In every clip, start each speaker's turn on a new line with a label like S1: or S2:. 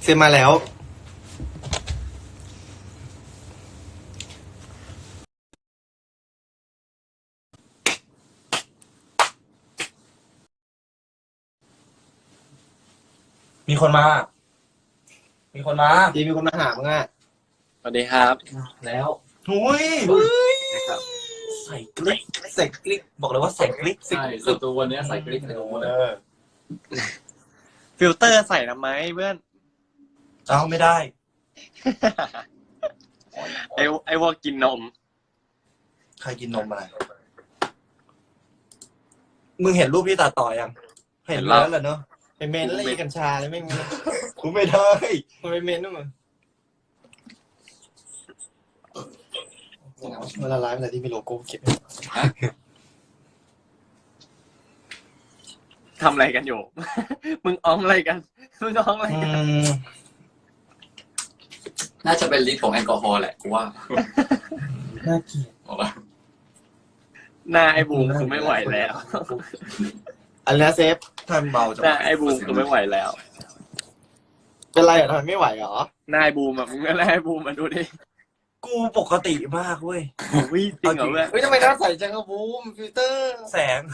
S1: เซ็นมาแล้ว
S2: มีคนมาดีมีคนมาหามึงอ่ะ
S3: สวัสดีครับ
S2: แล้วหุยใส่กลิกบอกเลยว่าใส่กลิก
S4: ใช่สตูวันนี้ใส่กริ๊กในรูเลย
S3: ฟิลเตอร์ใส่ทำไมเพื่อน
S2: เอาไม่ได้
S3: ไอ้พวกกินนม
S2: ใครกินนมอะไรมึงเห็นรูปที่ตัดต่อยังเห็นแล้วเหรอเนาะไปเมนอะไรกัญชาเลยไม่มีกูไม่ได้มันไปเมนด้วยมึงเวลาไลฟ์อะไรที่มีโลโก้เขียน
S3: ทำอะไรกันอยู่ มึงอ้อมอะไรกัน มึงอ้อมอะไรกัน
S4: น่าจะเป็นฤทธิ์ของแอลกอฮอล์แหละกูว่า
S2: น่าเกลียด
S3: หน้าไอ้บูมคือไม่ไหวแล้ว
S2: อันนี้เซฟทำเบาจัง
S3: หน้าไอ้บูมคือไม่ไหวแล้ว
S2: เป็นไรอ่ะทำไมไม่ไหวเหรอ
S3: หน้าไอ้บูมอ่ะมึงก็หน้าไอ้บูมมาดูดิ
S2: กูปกติมากเว้ย
S3: วิ่จริงเหรอเพื่อน
S1: เฮ้ยทำไมหน้าใสจังครับบูมฟิลเตอร์
S2: แสง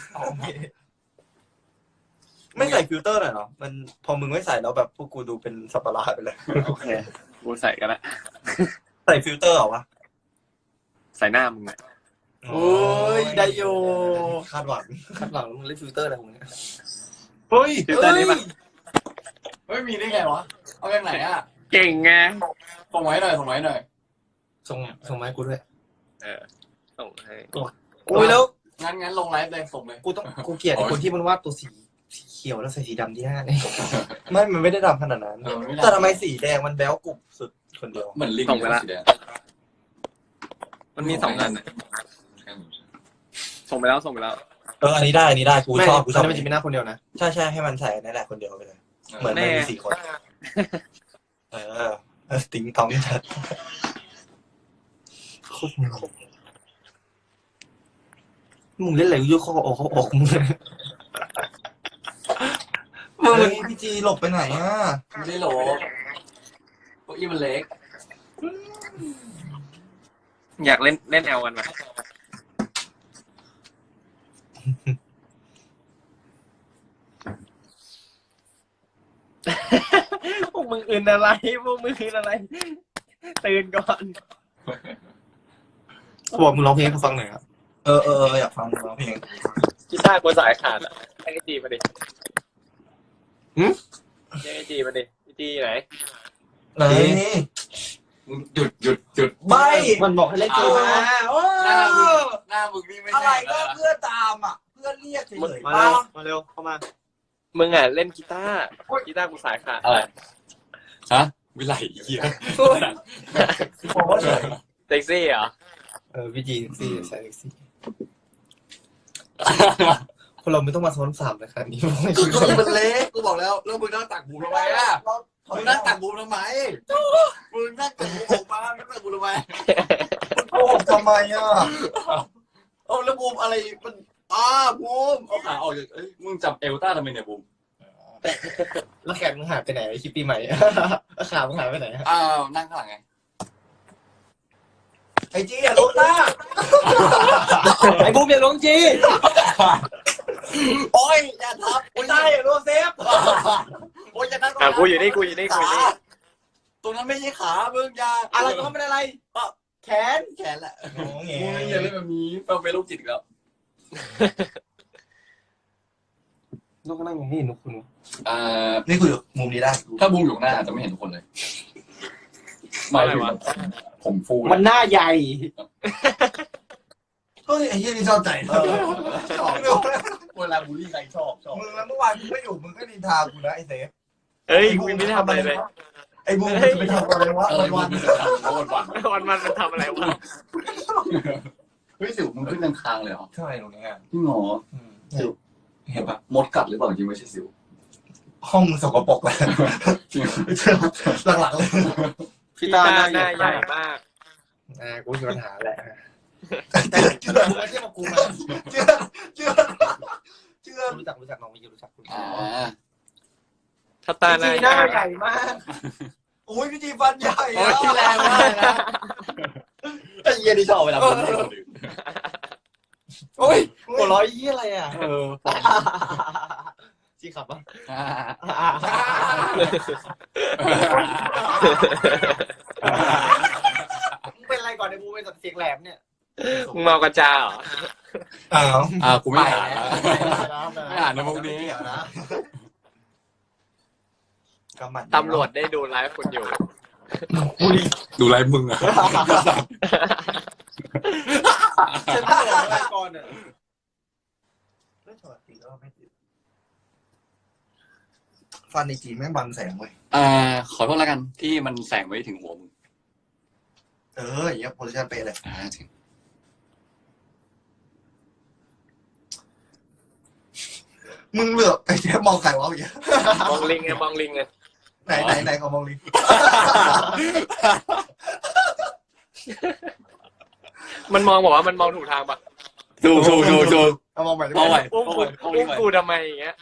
S2: ไม่ใส่ฟิลเตอร์หน่อยเหรอมันพอมึงไม่ใส่แล้วแบบพวกกูดูเป็นสับปะรดไปเลย
S3: โอเคกูใส่กันละ
S2: ใส่ฟิลเตอร์เหรอวะ
S3: ใส่หน้ามึงอ่ะ
S1: โอ้ยได้โย
S2: คาดหวัง
S1: คาดหวังมึงเล่นฟิลเตอร์อะไรของมึง
S2: เฮ้ย
S3: ฟิลเตอร์นี้ปะ
S4: เฮ้ยมีได้ไงวะเอาอย่างไหนอ่ะ
S3: เก่งไง
S4: ส่งไว้หน่อยส่งไว้หน่อย
S1: ส่งมาให้กูด้วย
S3: ส่งให้
S1: โอ้ยแล้ว
S4: งั้นลงไลฟ์เลยส่งเลย
S1: กูเกลียดไอ้คนที่มันวาดตัวสีเขียวแล้วใส่สีดำที่หน้าเนี่ย
S2: ไม่มันไม่ได้ดำขนาดนั้น
S4: ไม่ได้
S2: แต่ทำไมสีแดงมันแบ๊วกรุบสุดคนเดียว
S4: เหมือนลิงสีแดง
S3: มันมี2 อันส่งไปแล้วส่งไปแล้ว
S2: อันนี้ได้กู
S1: ไม่
S2: ชอบกูช
S1: ตอ
S2: อน บ
S1: นี้มันจะมีหน้าคนเดียวนะ
S2: ใช่ให้มันใส่นั่นแหละคนเดียวไปเลย เหมือนมันมี4 คนติ๊งต้องจัด
S1: มึงเล่นอะไรกูยกเขาออกมึง
S2: มึงพี่จีหลบไปไหนอ่ะ
S4: ไม่ได้โหลเก้าอี้มันเล็ก
S3: อยากเล่นแอลกันไหม พวกมึงอื่นอะไร พวกมึงอื่นอะไร ตื่นก่อน
S1: เขาบอกมึงร้องเพลงให้กูฟังหน่อยครับ
S2: อยากฟังร้องเพลง
S3: กีตาร์กูสายขาดอ่ะให้ไอจีมาดิให้ไอจีมาดิไอจีไหน
S2: ไหน
S4: หยุด
S2: ใบ
S1: มันบอกให้เล่นเกมมาโอ้
S4: หน้ามึงนี่ไม่
S2: อะไร
S4: ใช่
S2: ก็เพื่อนตามอ่ะเพื่อนเรียกเฉยๆ
S1: มา
S2: ป่ะ
S1: เร็วเข้ามา
S3: มึงอ่ะเล่นกีตาร์กูสายขาด
S4: อะไรฮะวิไลเหี้ย
S2: บอกว่าเฉย
S3: เซ็กซี่เหรอ
S1: พี่จีซี่ใส่ซี่คนเราไม่ต้องมาซ้อนสามเลยค่ะนี่
S4: ก็มันเล็กกูบอกแล้วแล้วมึงนั่งตักบูมทำไมอ่ะมึงนั่งตักบูมทำไมมึงนั่งตักบูมออกมานั่งตักบูมทำไม
S2: โกหกทำไมอ่ะ
S4: เอาแล้วบูมอะไรมันบูมเอาขาออกจากมึงจับเอลต้าทำไมเนี่ยบูม
S1: แล้วแขนมึงหายไปไหนคลิปปีใหม่ขามึงหายไปไหน
S4: นั่งข้างหลังไง
S2: ไอ้จีอย่าลุกนะ
S1: ไอ้บูมอย่าลงจี
S4: โอ้ยอย่าทับ
S2: ไอ้ต้าอย่าลุกเซฟ
S4: โอ้ยอย่านั่ง
S3: กูอยู่นี่
S4: ตรงนั้นไม่ใช่ขามึงอย่า
S1: อะไรก็ไม่เป็นอะไรแขน
S4: แขนแหละ
S2: โอ้โห
S4: มึงอย่าเล่นแบบนี้เราเป็นโรคจิตแล้ว
S1: นกนั่งอย่างนี้นกคุณ
S2: นี่คือมุมนี้ได้
S4: ถ้าบูมอยู่หน้าอาจจะไม่เห็นทุกคนเลยหมายถึงผมฟู
S1: มันหน้าใหญ่
S2: เฮ้ยไอ้เหี้ยนี่ชอบใจนะชอบ
S4: เวลาบูลลี่ใครชอบ
S2: มึงแล้วเมื่อวานกูไม่อยู่มึงก็นินทากูนะไอ้เซฟ
S3: เฮ้ยกูไม่ได้ทำอะไรเลย
S2: ไอ้บูมมันจะไปทำอะไรวะ
S4: อะไร
S2: วั
S4: วัน
S2: น
S4: วัน
S3: มันทำอะไรวะ
S4: เฮ้ยสิวมึงขึ้นทางเลยเหรอ
S2: ใช่ตรงนี้อ่ะ
S4: พี่หมอเห็นปะมดกัดหรือเปล่าจริงไม่ใช่สิว
S2: ห้องมึงสกปรกเลย
S4: จริง
S2: หลังๆเลย
S3: พี่ตาหน้าใหญ่มาก
S1: กูมีปัญหาแหละ
S2: เชื่อ
S1: มึงไม่ใช่มากูมา
S2: เชื่อ
S1: รู้จักน้องไม่รู้จักคุณ
S4: อ่า
S3: สตาร์
S1: จี
S3: นาย
S1: หน้าใหญ่มาก
S2: โอ้ยพี่จีฟันใหญ่
S4: โอ้ยแรงมากนะ
S2: ไอ้เหี้ยนี่ชอบเวลาคนพูด
S4: โอ้ย
S1: หัวเร้อยยี่อะไรอ่ะ
S4: ฟัน
S1: จีขับปะ
S4: อ่า
S1: มึงเป็นอะไรก่อนในกูเป็นเสียงแหลมเนี่ย
S3: มึงเมากระจาเหรอ
S2: อ้าว
S4: กูไม่อ่านแล้ว
S1: ไม่
S4: ไม่อ่านนะมุกนี้
S1: เกี่ยวนะ
S2: กำหมัด
S3: ตำรวจได้ดูไลฟ์คุณอยู่
S4: ดูไลฟ์มึงอ่ะ
S1: ฉันบอกอะไรก่อนอ่ะไม่ถอดสีแล้วไม่ติดฟันในจีนแม่งบังแสงเว้ย
S4: ขอโทษแล้วกันที่มันแสงไว้ถึงหัวมึง
S1: อย่างเงี้ยโพซิชั่นเป๊ะเลย
S4: จริง
S1: มึงเหลือบไอ้เจ๊มองใครวะเมื่อกี้
S3: มองลิงไงมองลิงไง
S1: ไหนเขามองลิง
S3: มันมองบอกว่ามันมองถูกทางปะ
S4: ถูก
S1: เขามองใหม่ได้
S4: เอา
S1: ไห
S4: ไว้
S1: ม
S3: อุ้มกูอุ้มกูทำไมอย่างเงี้ย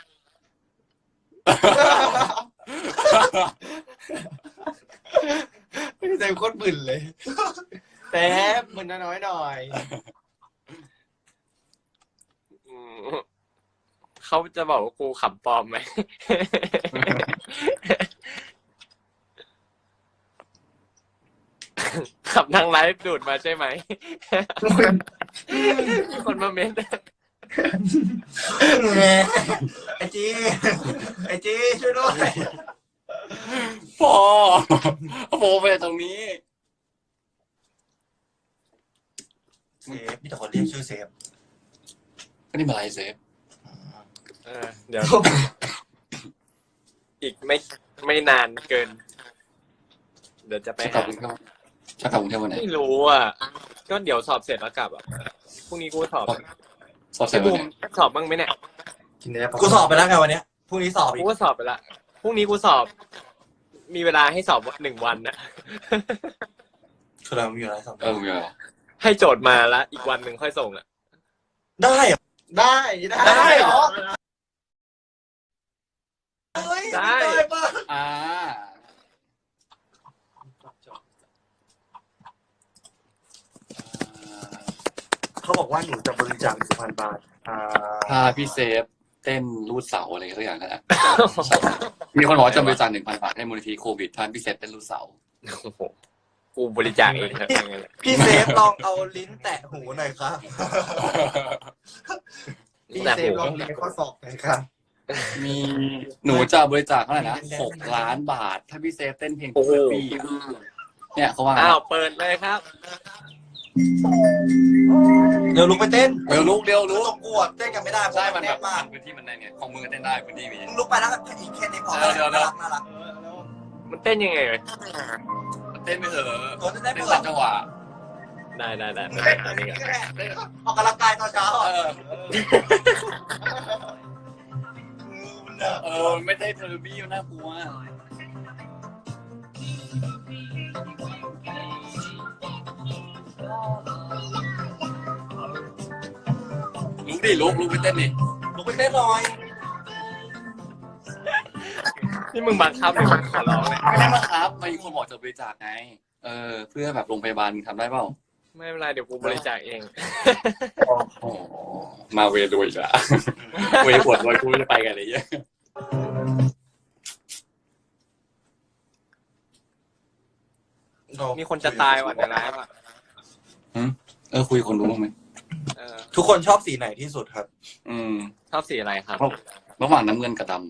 S1: ใจโคตรบึนเลยแต่มึนน้อยหน่อย
S3: อืมเขาจะบอกว่ากูขำปลอมไหม ขับทางไลฟ์ดูดมาใช่ไหม มีคนมาเม้น
S1: ไอจีช่วยด้วย
S4: พอไปตรงนี้
S2: เซฟพี่แต่คนเรียกชื่อเซฟ
S4: ก็นี่มาไลฟ์เซฟ
S3: เดี๋ยว อีกไม่นานเกิน เดี๋ยวจะไป
S4: จะกลั
S3: หา
S4: บกรุงเทพจะกลับกรุงเทพวันไหน
S3: ไม่รู้อ่ะ ก็เดี๋ยวสอบเสร็จแล้วกลับอ่ะพรุ่งนี้กูสอบ
S4: สอบเสร็จ
S3: ไอ้
S4: วั
S3: บู
S4: น
S3: ม
S4: ไหน
S3: สอบบ้างไหมเนี่ย
S2: กูสอบไปแล้วไงวันเนี้ยพรุ่งนี้สอบอี
S3: กู
S2: ก
S3: ก็สอบไปละพรุ่งนี้กูสอบ มีเวลาให้สอบ1 วันนะ
S2: คือเรามีอะไรสอบ
S4: มีอะไร
S3: ให้โจทย์มาแล้วอีกวันหนึ่งค่อยส่งอ่ะ
S2: ได้เหรอ
S1: ได้เหรอ
S2: เฮ้ย
S3: ได้
S2: ปะ เขาบอกว่าหนูจะบริจาค1,000 บาท
S4: พาพี่เซฟเต้นรูดเสาอะไรสักอย่างนั่นแหละมีคนบอกว่าจะบริจาค 1,000 บาทให้มูลนิธิโควิดท่านพี่เซฟเต้นรูดเสา
S3: โอ้โหกูบริจาคเองครับอย่างเงี้ย
S2: พี่เซฟลองเอาลิ้นแตะหูหน่อยครับ
S1: พี่เซฟลองเรียนข้อสอบหน่อยครับ
S4: มีหนูจะบริจาคเท่าไหร่นะ6 ล้านบาท ถ้าพี่เซฟเต้นเพลง
S3: โอ้โห
S4: ปีเนี่ยเขาว่า
S3: อ้าวเปิดเลยครับ
S2: เดี๋ยวลุกไปเต้น
S4: เร็วลุกเร็ว
S2: รู้
S4: ลุก
S2: ตกกวดเต้นกันไม่ได้เพราะ
S4: ใช่
S2: มั
S4: มัน น
S2: แค
S4: แบบ
S2: บมาก
S4: พื้นที่มันได้เนี่ยของมึงก็เต้นได้พื้นที่มี
S2: มึงลุกไปแล้วอีกแค่นี้พอ
S4: เดี๋ยว
S2: น่ารักน่ารัก
S3: มันเต้นยังไงเลย
S4: เต้นไปเถอะ
S2: ตัวจะได้
S4: เต้น
S2: เปิด
S4: ตามจังหวะ
S3: ได้ไปหานี่กัน
S2: ออกกำลังกายตอนเช้า
S4: ไม่ได้เทอร์บี้มันน่ากลัวลุกดิลุกไปเต้นดิ
S2: ลุกไปเต้นหน่อย
S3: นี่มึงบังคับหรือมึงขอร้องเลย
S4: ไม่ได้มาครับมีคนบอกจะบริจาคไงเพื่อแบบโรงพยาบาลมึงทำได้เปล่า
S3: ไม่เป็นไรเดี๋ยวกูบริจาคเอง
S4: มาเวรวยอีกละเวรปวดรวยกูจะไปกันอะไรเงี้ย
S3: มีคนจะตายว่ะในไลฟ์อ่ะ
S4: คุยคนรู้บ้างไหม
S2: ทุกคนชอบสีไหนที่สุดครับ
S3: ชอบสีอะไรครับ
S4: ระหว่างน้ำเงินกับดำ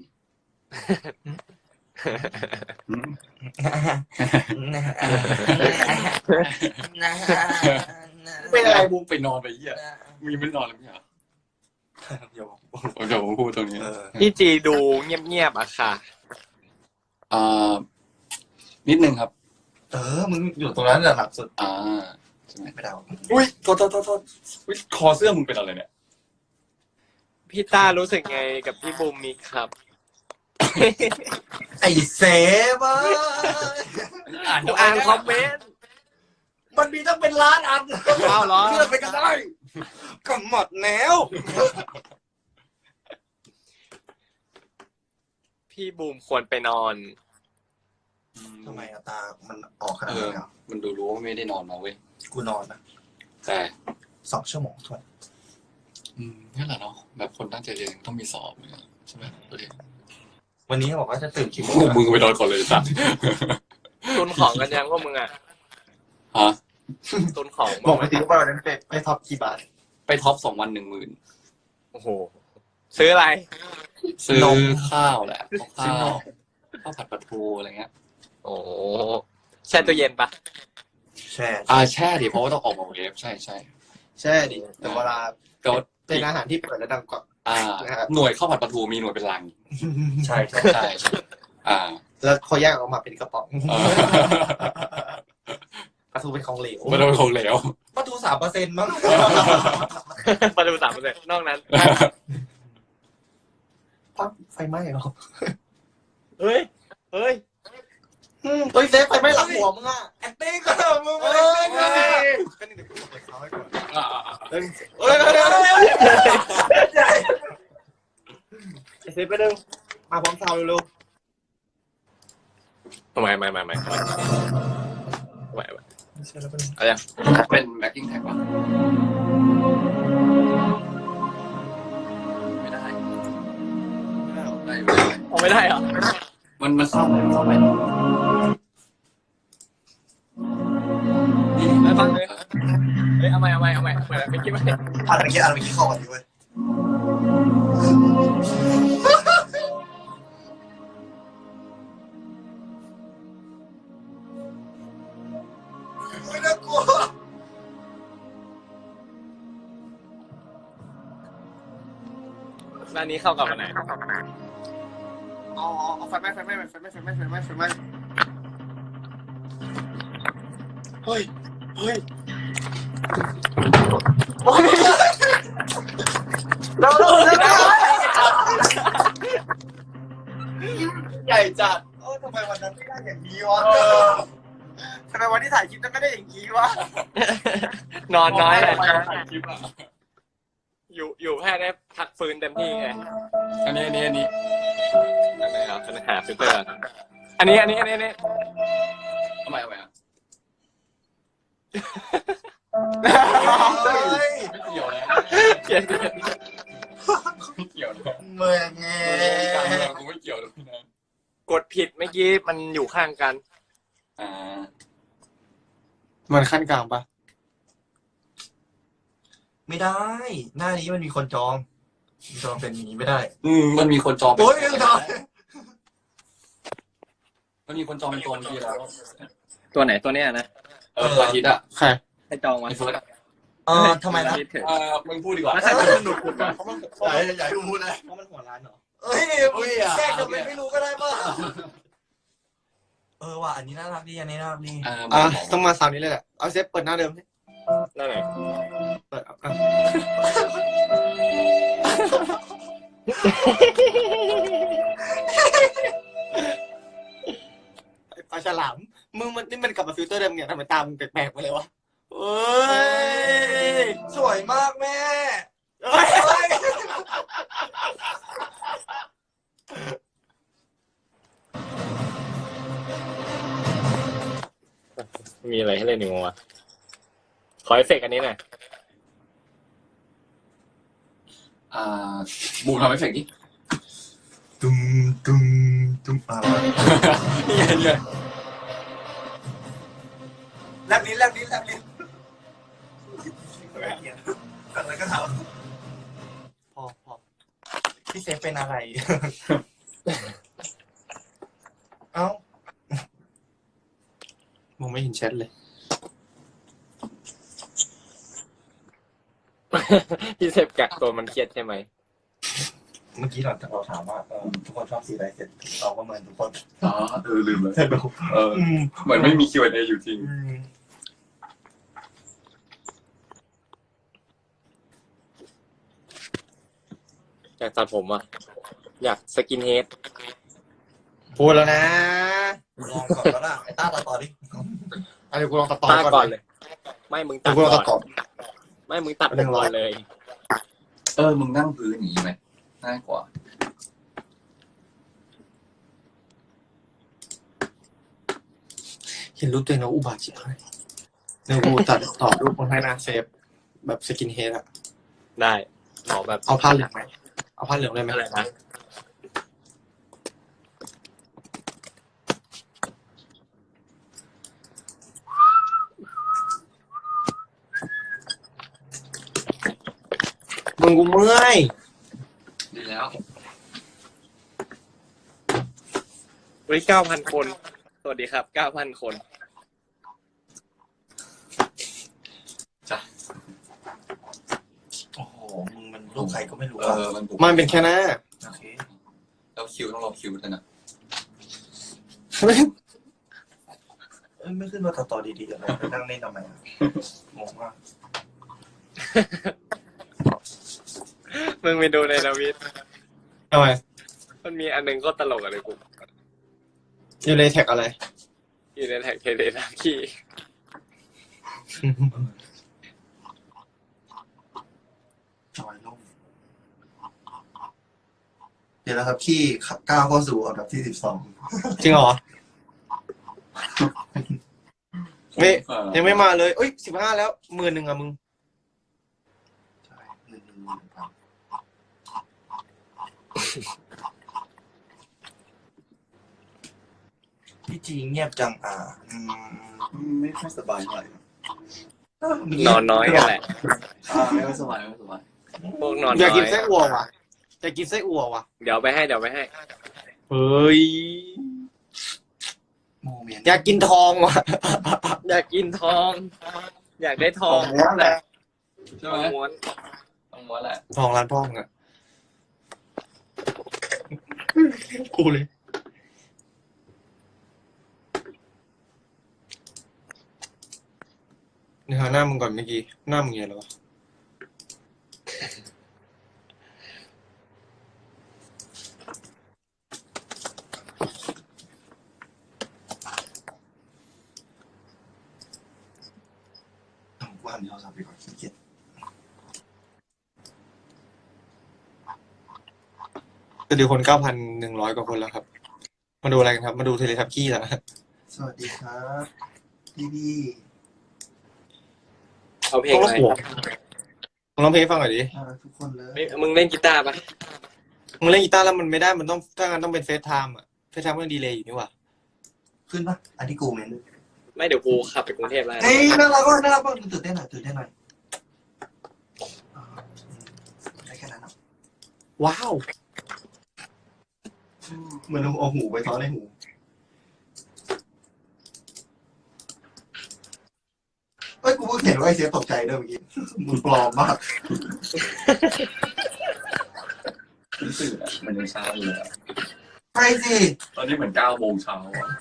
S1: เป็นอะไรบูม
S4: ไปนอนไปเหี้ยมีไม่นอนเลยไม่เหรอเดี๋ยวผมพูดตรงนี้
S3: พี่จีดูเงียบๆอะค่ะ
S4: นิดนึงครับ
S2: มึงอยู่ตรงนั้นแหละหลักสุด
S4: ใช่ไหม
S2: ไม่เดา
S4: อุ้ยโทษคอเสื้อมึงเป็นอะไรเนี่ย
S3: พี่ต้ารู้สึกไงกับพี่บูมมีครับ
S2: ไอ้เซฟ
S3: กูอ่านคอมเมนต์
S2: มันมีต้องเป็นล้านอัน
S3: เอาเหรอ
S2: เพื่อไปกันได้ก็หมดแล้ว
S3: พี่บูมควรไปนอน
S2: ทำไมอะตามันออกขนาดนี้นเหรอ
S4: มันดูรู้ว่าไม่ได้นอนมาเว้ย
S2: กูนอนนะ
S4: แต่
S2: 2 ชั่วโมงทวน
S4: นั่นแหละเนาะแบบคนตั้งใจเรียนต้องมีสอบเนี่ยใช่ไหมประเด็น
S2: วันนี้เขาบอกว่าจะตื่นกี่โม
S4: โอ้
S2: ง
S4: มึงไปนอนก่อนเลยสัตว์
S3: ตุนของกันยังพวกมึงอ่ะ
S4: ฮะ
S3: ตุนของ
S2: บอกไปสิว่าวันนั้นไปท็อปกี่บาท
S4: ไปท็อป2 วัน 10,000
S3: โอ้โหซื้ออะไร
S4: ซื้อน
S2: ม
S4: ข้าวแหละข้าว
S2: ซื้อนม
S4: ข้าวผัดปลาทูอะไรเงี้ย
S3: โอ้แช่ตู้เย็นปะ
S2: แช่
S4: แช่ดิเพราะว่าต้องออกมาเวฟใช่
S2: แช่ดิแต่เวลา
S4: ก็
S2: เป็นอาหารที่เปิดแล้วดังกว่า นะครับ
S4: หน่วยข้าวผัดปลาทูมีหน่วยเป็นลัง
S2: ใช่ใช่
S4: ใช่อ่า
S2: แล้วเขาแยกออกมาเป็นกระป๋อง
S4: เออ
S2: ปลาทูเป็นของเหลว
S4: มันเป็นของเหลว
S2: ปลาทู3%มั้ง
S3: ประตู3%นอกนั้น
S2: ปั๊บไฟไหม้เหรอ
S3: เฮ้ย เฮ้ย
S2: เฮ้ยเซฟไฟไหม้หลังหัวมึงอะแอคติ้งก็มึง
S3: เฮ้
S2: เอ้
S3: ย
S2: ยก็นี่เดี๋ยวกูเปิดเขาให้ก่อน
S3: เฮ้ย
S2: เฮ้ยเดี๋ยวใหญ่
S3: เซฟไปเร็ว
S2: มาพร้อมซาวเร็ว
S3: ไม่
S2: ๆไม่ใช่แล้วเป็น
S3: เอายัง
S4: เป็นแบ็กกิ้งแท็กวะไม่ได้ได้อยู่ได้
S3: เอาไม่ได้เหรอ
S4: มันเข้าไป
S3: ไปฟังเลยเฮ้ยเอาใหม่ไม่คิดว่า
S2: อ่านเมื่อกี้เข้ากันดีเว้ยไม่น่ากลัว
S3: ร้านนี้เข้ากับอันไหน
S2: เอาไฟไหม้เฮ้ยเราใหญ่จัดทำไมวันนั้นไม่ได้อย่างนี้วะทำไมวันที่ถ่ายคลิปนั้นไม่ได้อย่างนี้วะ
S3: นอนน้อยเลย
S4: ถ่ายคลิปอ่ะ
S3: อยู่แค่ได้พักฟื้นเต็มที่ไง
S4: อันนี้
S3: อันไหนครับปัญหาฟิลเตอร์อันนี้
S4: เอาใหม่อ่ะ ไม่เกี่ยวนะ
S3: เปลี่ยน
S4: ไม่เกี่ยวนะ
S2: เมืองไง
S4: การเมืองกูไม่เกี่ยวเลยนะ
S3: กดผิดเมื่อกี้มันอยู่ข้างกัน
S2: มันขั้นกลางปะไม่ได้ หน้านี้มันมีคนจองเป็นอย่างนี้ไม่ได้
S4: มันมีคนจอง
S2: โอ้ยไม่ได้
S4: มันมีคนจองเป็นตัวทีแล้ว
S3: ตัวไหนตัวเนี้ยนะ
S4: อาทิตย์อ่ะ
S2: ใคร
S3: ให้จองมา
S4: ไอ้เฟิร์ส
S2: ทำไมล่ะ
S4: มึงพูดดีกว่า
S3: แล้วใครเป็นคนดูดก่อน
S2: ใหญ่พูดเลยเพราะมันหัวร้านเหรอเอ้ยแกจะไม่รู้ก็ได้ป่ะว่ะอันนี้น่ารักดีอันนี้น่ารักดีต้องมาสาวนี้เลยแหละเอาเซฟเปิดหน้าเดิม
S3: นั่นไหน
S2: เปิดปลาฉลามมึงนี่มันกลับมาฟิลเตอร์เดิมเนี่ยทำไมตามึงแปลกๆมาเลยวะเอ้ยสวยมากแม่
S3: มีอะไรให้เล่นอีกมั้งวะขอเอฟเฟกต์อันนี้หน่อย
S4: บูมทำเอฟเฟกต์ดิ
S2: ตุ้มอะไร
S4: เนี่ย
S2: แลบลิ้นอะไรก็ทำพอพี่เซฟเป็นอะไร เอ้ามองไม่เห็นแชทเลย
S3: พี่เซฟกักตัวมันเครียดใช่ไหม
S2: เมื่อกี้เราถามว่าทุกคนชอบสีอะไรเสร็จเราก็เหมือนทุกคน
S4: ลืมเลย
S2: ใช่ดู
S4: เหมือนไม่มี Q&A อยู่จริง
S3: อยากตัดผมอ่ะอยากสกินเฮด
S2: พูดแล้วนะลองก่อนแล้วล่ะไอ้ต้าต่อดิเดี๋ยวกูลองตัดต่อ
S3: ก่อนเลย ไม่มึงตัด
S2: กูลองตัดต่อ
S3: ไม่มึงตัดผมก่อนเลย
S4: มึงนั่งพื้นอย่างนี้ไหมง่ายกว่า
S2: เห็นรูปตัวเองแล้วอุบาทชิบหายเดี๋ยวกูตัดต่อรูปมาให้หน้าเซฟแบบสกินเฮดอะ
S3: ได้ขอแบบ
S2: เอาผ้าเหลืองไหมเอาผ้าเหลืองได้ไหม
S3: อะไรนะ
S2: มึงกูเมื่อย
S4: ดีแล้ว
S3: วันนี้9,000 คน สวัสดีครับ 9,000 คน
S2: โอ้โหมึงมันรูปใครก็ไม่รู้
S4: มันบุก
S2: มันเป็นแค่หน้า
S1: โอเค
S4: เราคิวต้องรอคิวด้วยนะ
S2: ไม่ขึ้นมาต่อดีๆเลยไปนั่งเล่นทำไมงงมาก
S3: มึงไปดูในทวิต
S2: ทำไม
S3: มันมีอันหนึงก็ตลกอะไรกู
S2: อยู่ในแท็กอะไร
S3: อยู่ในแท็กเทเลนาคี
S1: จอยลงเดี๋ยวนะครับที่ก้าวเข้าสู่อันดับที่12
S2: จริงเหรอไม่ยังไม่มาเลยเอ้ย15แล้ว10,000อะมึง
S1: ใช่1,000 พี่จีเงียบจัง
S4: ไม่ค่อยสบายเท่าไหร่
S3: นอนน้อยกันแหละ
S4: ไม่ค่อยสบายไม่ค่อยสบาย
S3: พวกนอน
S2: อยาก
S3: น้อ
S2: กิน
S3: ย
S2: ไส้อั่วว่ะอยากกินไส้อั่วว่ะ
S3: เดี๋ยวไปให้
S2: เฮ้ย
S1: โมเมนต์
S2: อยากกินทองว่ะ
S3: อยากกินทอง อยากได้ทอง
S1: แล้วแหละ
S4: ใช่
S3: ท
S4: ไห
S3: อ
S4: ม
S3: งม้วน
S4: ต้องม้วนแหละ
S2: ทองร้านพ่องอะกูเลยนี่หาหน้ามึงก่อนเมื่อกี้หน้ามึงไงแล้ววะ
S1: ว่ามีโทรศัพท์ไปก่อนขี้เกียจ
S2: จะดูคน9,100 กว่าคนแล้วครับ มาดูอะไรกันครับ มาดูเทเลทับกี้แล้ว
S1: สวัสดีครับพี่
S3: เอาเพลง
S2: ต้อง
S3: อะไร
S2: หัวมึงร้องเพลงให้ฟังหน่อยดิ
S1: ทุกคนเลย
S3: เฮ้ยมึงเล่นกีตาร์ปะ
S2: มึงเล่นกีตาร์แล้วมันไม่ได้มันต้องถ้างั้นต้องเป็นเฟซไทม์อะเฟซไทม์มันดีเลย์อยู่นี่หว่า
S1: ขึ้นปะอันที่กูเมน
S3: ไม่เดี๋ยวกูขับไปกรุงเทพแล้ว
S1: เฮ้ยน่ารักมากน่ารักมากตื่นเต้นหน่อยได้แค่นั้น
S2: ว้าว
S1: เหมือนเอาหูไปซ้อนในหูเฮ้ยกูเพิ่งเห็นว่าไอเสียตกใจด้วยเมื่อกี้มึงปลอมมาก
S4: รู้สึกอ่ะมันยังเช้าอยู่เลยอะ
S1: ใช่สิ
S4: ตอนนี้เหมือน9 โมงเช้าอ่ะ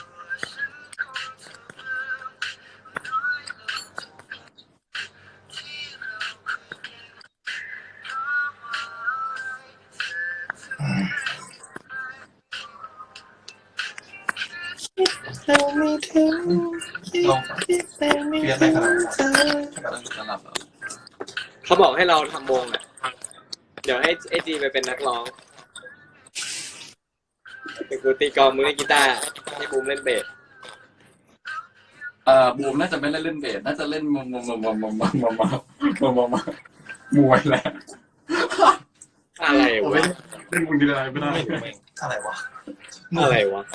S1: ลองเรียนได้ขนาดนั้น
S4: กำลังจะหลับแล้ว
S3: เขาบอกให้เราทำวงอ่ะ เดี๋ยวให้ไอจีไปเป็นนักร้องเดี๋ยวกูตีกลองมึงเล่นกีตาร์ให้บูมเล่นเบส
S4: บูมน่าจะไม่ได้เล่นเบสน่าจะเล่นมวยแหละ
S3: อะไรวะ
S4: เล่นมุงดีอะไรไม่ได้
S2: ไม่รู้แม่ง
S1: อะไรวะ
S3: อะไรวะ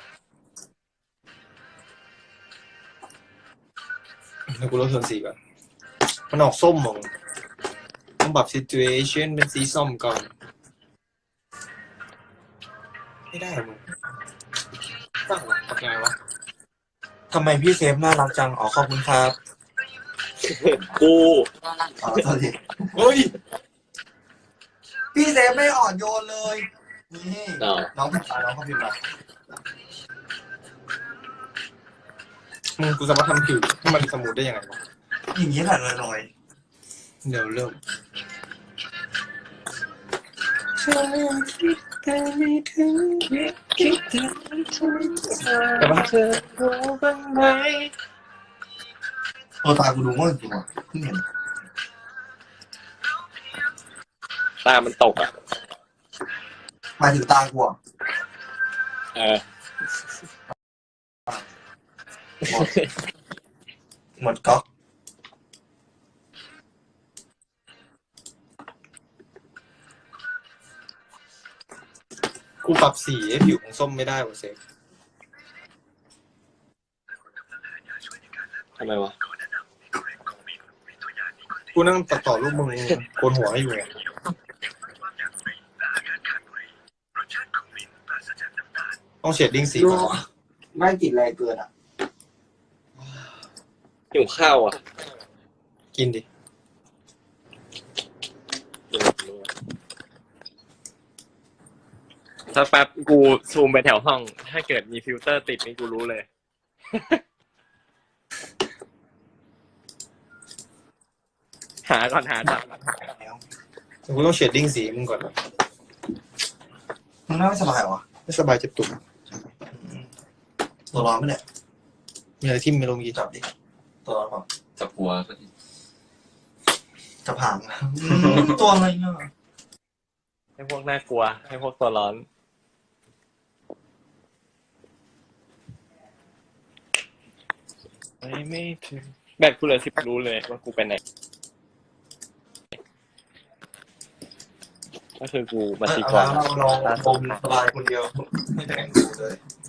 S2: แล้วกูลดส่วนสีก่อนมันออกส้มมองต้องปรับ situation เป็นสีส้มก่อน ไม่ได้มึงตั้งหรอทำไงวะทำไมพี่เซฟน่ารักจังอ๋อขอบคุณครับ
S3: กู
S1: อ๋อโทษที
S2: เฮ้ย
S1: พี่เซฟไม่อ่อนโยนเลยนี่
S3: ต่อ
S1: น้องพิมพ์มาน้องเขาพิมพ์มา
S2: มึงกูสามารถทำผิวให้มันสมูทได้ยังไงวะ
S1: อย่างนี้แหละลอย
S2: เดี๋ยวเริ่มแต่ว่า
S1: ๆตัวตากูดูง่วงจริงว่ะเพิ่งเห็น
S3: ตามันตกอ่ะ
S1: หมายถึงตากูอ่ะ
S3: เออ
S2: หมดก๊อกกูปรับสีให้ผิวของส้มไม่ได้ว่ะเซฟ
S3: ทำไมวะ
S2: กูนั่งตัดต่อรูปมึงโกนหัวให้อยู่ไงต้องเชดดิ้งสีก่อน
S1: ไม่ติดแรงเกินอ่ะ
S3: หิวข้าวอ่ะ
S2: กินดิ
S3: สักแป๊บกูซูมไปแถวห้อง ถ้าเกิดมีฟิลเตอร์ติดนี่กูรู้เลย หาก่อนหาจับ
S2: กูต้องเชดดิ้งสีมึงก่อนนะ
S1: มึงน่าไม่สบายเหรอ
S2: ไม่สบายเจ็บตุ่ม
S1: ตัวร้อนไหมเนี่ย
S2: มีอะไรทิ่มไม่ลงเมื่อกี้
S1: จับดิตัวร้อนเปล่า
S4: จับหัว
S1: จะผ่านตัวอะไรเนี่ย
S3: ให้พวกน่ากลัว ให้พวกตัวร้อนไม่ถึงแบตกูเหลือ10รู้เลยว่ากูไปไหนก็คือกูบัญชีกร
S1: เราบมสบายคนเดียวไม่แต่งกูเลย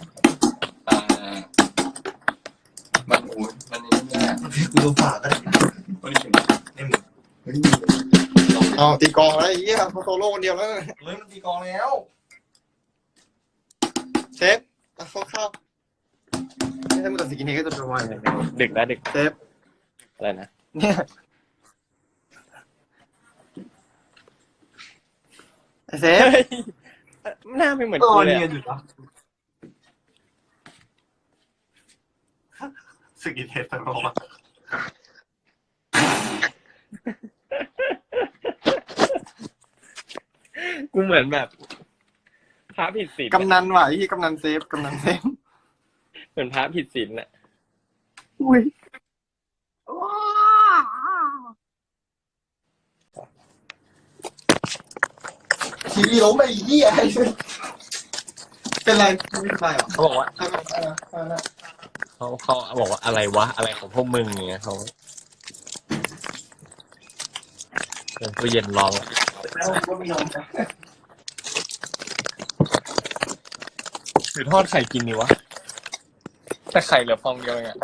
S4: มันหูมันนี่แน่
S1: กูดูฝาก็ได้
S4: มันนี่
S1: นี่มึงเฮ้ย
S2: เอาตีกองแล้วไอ้เหี้ยเขาโซโล่คนเดียวแล้ว
S1: เฮ้ยมันตีกองแล้ว
S2: เชฟเข้าไม่ใช่มึงตัดสกินเฮดก็จะประมาณไหน
S3: ดึกแล้วดึก
S2: เชฟ
S3: อะไรนะ
S2: เนี่ยไอ้เซฟ
S3: เฮ้ยหน้าไม่เหมือนกูเลย
S1: เนีย
S3: อะ
S1: นอยู่นะสกินเฮดตลอด
S3: กูเหมือนแบบพระผิดศีล
S2: กำนันว่ะไอ้ที่กำนันเซฟกำนันเซฟ
S3: เหมือนพระผิดศีลน่ะ
S2: อุ้ยทีวีล้มไปอีกที่ไอ้เป็นไรไม่เป็นไรหรอ
S3: เขาบอกว่าเขาบอกว่าอะไรวะอะไรของพวกมึงอย่างเงี้ยเขาเป็นตู้เย็นร้องอะ
S1: แล้วก็ไม่ยอมนะ
S3: หรือทอดไข่กินดีวะแต่ไข่เหลือฟองเดียวเองอะ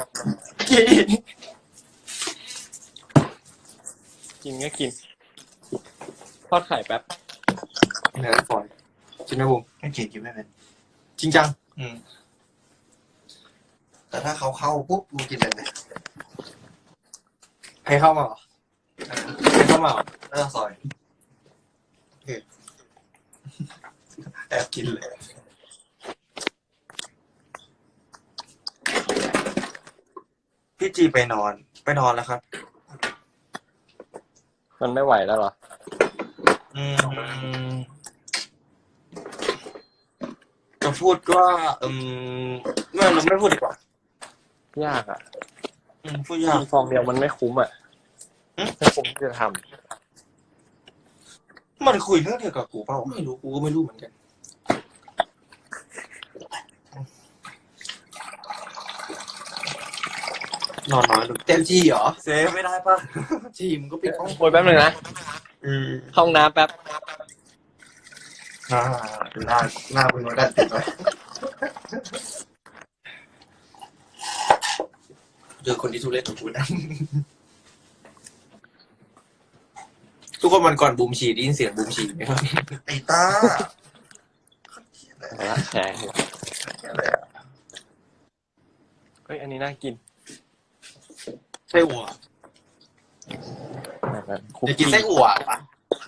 S3: กินก็กินทอดไข่แป๊บ
S2: เนื้อฝอยจริงไหมบุ๋ม
S1: ไม่เกลียดกินไม่เป็น
S2: จริงจัง
S1: แต่ถ้าเขาเข้าปุ๊บกูกินเลย
S2: ใครเข้ามาเหรอใครเข้ามาเหรอ
S1: แล้วก็ซอยแอบกินเลย พี่จีไปนอนแล้วครับ
S3: มันไม่ไหวแล้วเหรอ
S2: จะพูดว่าไม่เราไม่พูดดีกว่าย
S3: ากอ่ะ
S2: พูดยาก
S3: กินฟองเดียวมันไม่คุ้มอ่ะไม่คุ้มที่จะท
S2: มันคุยเรื่องเดียวกับกูเปล่าไม่รู้กูก็ไม่รู้เหมือนกันนอนน้อยลง
S1: เต็มจีเหรอ
S2: เซฟไม่ได้ป่ะจีมก็ปิดห้อง
S3: ำโอยแป๊บนึงนะห้องน้ำแป๊บ
S1: หน้าคุณมาได้ติดไว้
S2: เจอคนที่ทุเรศของกูนะทุกคนวันก่อนบูมฉี่ได้ยินเสียงบูมฉี่ไหมครับ
S1: ไอ้ตา
S3: เอาละแชร์เฮ้ยอันนี้น่ากิน
S2: ไส้อั่ว
S3: คุก
S2: จะกินไส้อั่วปะ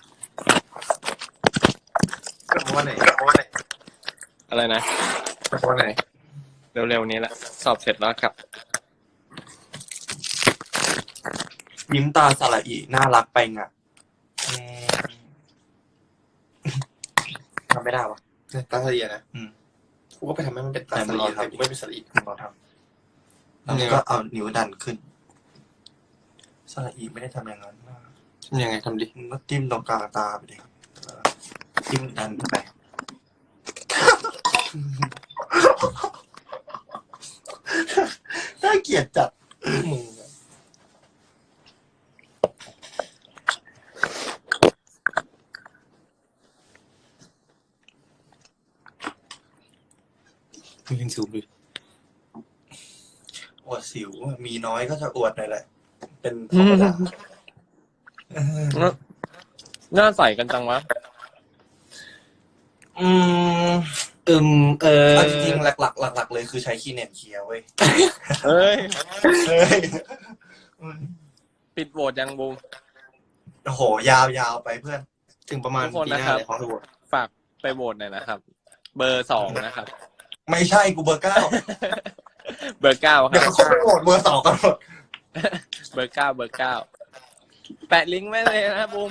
S2: กระเพาะไหน
S3: อะไรนะ
S2: กระเพาะไหน
S3: เร็วๆนี้แหละสอบเสร็จแล้วกลับ
S2: ยิ้มตาสละอีน่ารักไปงะทำไม่ได้วะตาสลีนะกูก็ไปทำให้มันเป็นตาสลีแต่กูไม่เป็นสลี
S1: เราทำแล้วก็เอานิ้วดันขึ้นสระอีไม่ได้ทำอย่างนั้น
S2: ทำยังไงทำดิ
S1: มึงก็จิ้มตรงกลางตาไปดิจิ้มดันไปน่า
S2: เกลียดจัดมึงมึงยังสูบดิอวดสิวมีน้อยก็จะอวดหน่อยแหละ เป็นธรรมดา
S3: หน้าใสกันจังวะ
S2: อืมเอาจริงๆหลักเลยคือใช้คีเน็ตเคลียร์เว้ย
S3: เฮ้ย
S2: เฮ้ย
S3: ปิดโหวตยังบูม
S2: โอ้โหยาวไปเพื่อน ถึงประมาณ
S3: ทุกคน
S2: ปีห
S3: นะ
S2: น้า
S3: ครับ
S2: เลยของทุกคน
S3: ฝากไปโหวตหน่อยนะครับ เบอร์ 2นะครับ
S2: ไม่ใช่กูเบอร์ 9
S3: เบอร์ 9ค
S2: เดี๋ยว
S3: รับ
S2: เขาไปโหวตเบอร์ 2กันหมด
S3: เบอร์ 9 เบอร์ 9 แปะลิงก์ไว้เลยนะบูม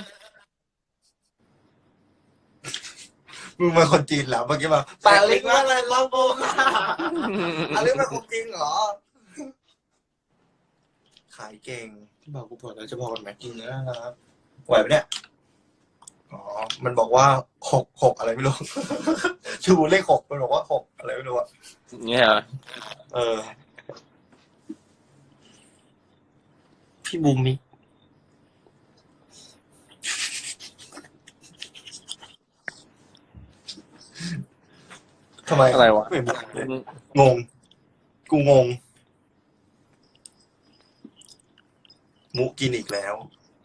S2: มึงมาคนจีนแล้วเมื่อกี้มา
S4: แปะลิงก์ว่าอะไรเราโบกอ่ะอันนี้เป็นของจริงเหรอ
S2: ขายเก่งที่บอกกูบอกแล้วจะบอกกันไหมจริงนะครับไหวไหมเนี่ยอ๋อมันบอกว่าหกอะไรไม่รู้ ชูเลข6มันบอกว่า6อะไรไม่รู้อะ
S3: เนี่ยเหรอ
S2: เออ พี่บูมมิทำไม
S3: อะไรวะ
S2: ไม่บอกเลยงง กูงง มุกกินอีกแล้ว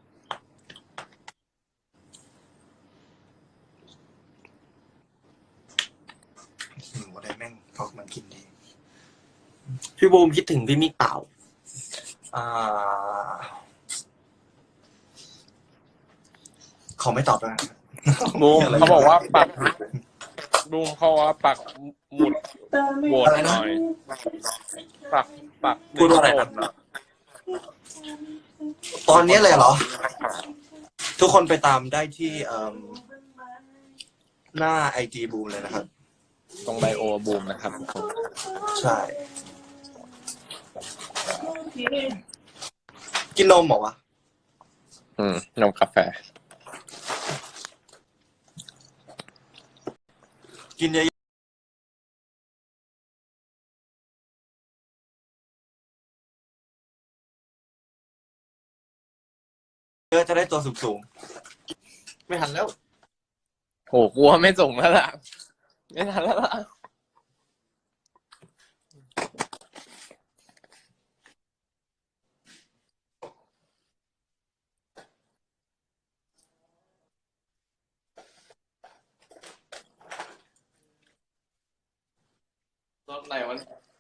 S2: หนูอะไรแม่งพอกมันกินดี พี่บูมคิดถึงพี่มิกเปล่า ขอไม่ตอบแล้วกัน
S3: บูมเขาบอกว่าปักบูมเขาว่าปักหมุดโหวตหน่อย ปัก
S2: พูดว่าอะไรนะ
S3: หนึ่งโหวตหน่อย
S2: ตอนนี้เลยเหรอ ทุกคนไปตามได้ที่หน้าไอจีบูมเลยนะครับ
S3: ตรงไบโอบูมนะครับ
S2: ใช่ กินนมเหรอวะ
S3: นมกาแฟ
S2: กินเยอะเยอะจะได้ตัวสูงๆ ไม่ทันแล้ว
S3: โหกลัวไม่ส่งแล้วล่ะ ไม่ทันแล้วล่ะ รถไหนวะ